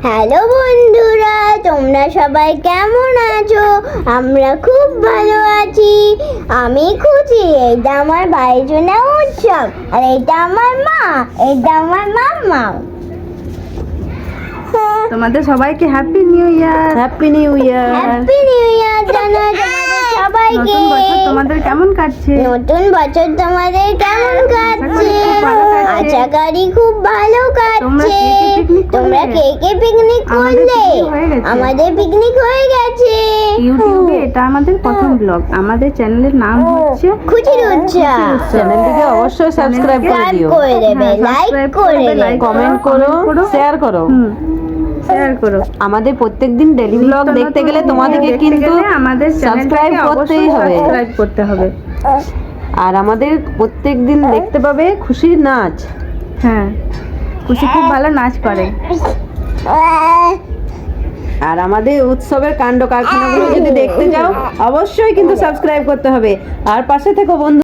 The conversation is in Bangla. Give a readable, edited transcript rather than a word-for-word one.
হ্যালো বন্ধুরা, তোমরা সবাই কেমন আছো? আমরা খুব ভালো আছি। আমি খুশি। এটা আমার ভাইয়ের জন্য উৎসব, আর এটা আমার মা, এটা আমার মাম্মা। তোমাদের সবাইকে happy new year. Happy new year. Happy new year জানাই তোমাদের সবাইকে। নতুন বছর তোমাদের কেমন কাটছে? নতুন বছর তোমাদের কেমন কাটছে? আশা করি খুব ভালো কাটছে। আশা করি খুব ভালো কাটছে। তোমরা কে কে পিকনিক করলে? আমাদের পিকনিক হয়ে গেছে। ইউটিউবে এটা আমাদের প্রথম ব্লগ। আমাদের চ্যানেলের নাম হচ্ছে খুশির উৎসব। চ্যানেলটিকে অবশ্যই সাবস্ক্রাইব করে সাবস্ক্রাইব দিও, করে দেবে, লাইক করে দেবে, কমেন্ট করো, শেয়ার করো। শেয়ার করো। আমাদের প্রত্যেকদিন ডেইলি ব্লগ দেখতে গেলে তোমাদেরকে কিন্তু আমাদের সাবস্ক্রাইব করতেই হবে। সাবস্ক্রাইব করতে হবে। আর আমাদের প্রত্যেকদিন দেখতে পাবে খুশির নাচ। হ্যাঁ, খুশি খুব ভালো নাচ করে। আর আমাদের উৎসবের কাণ্ড কারখানাগুলো যদি দেখতে যাও অবশ্যই কিন্তু সাবস্ক্রাইব করতে হবে। আর পাশে থেকো বন্ধু।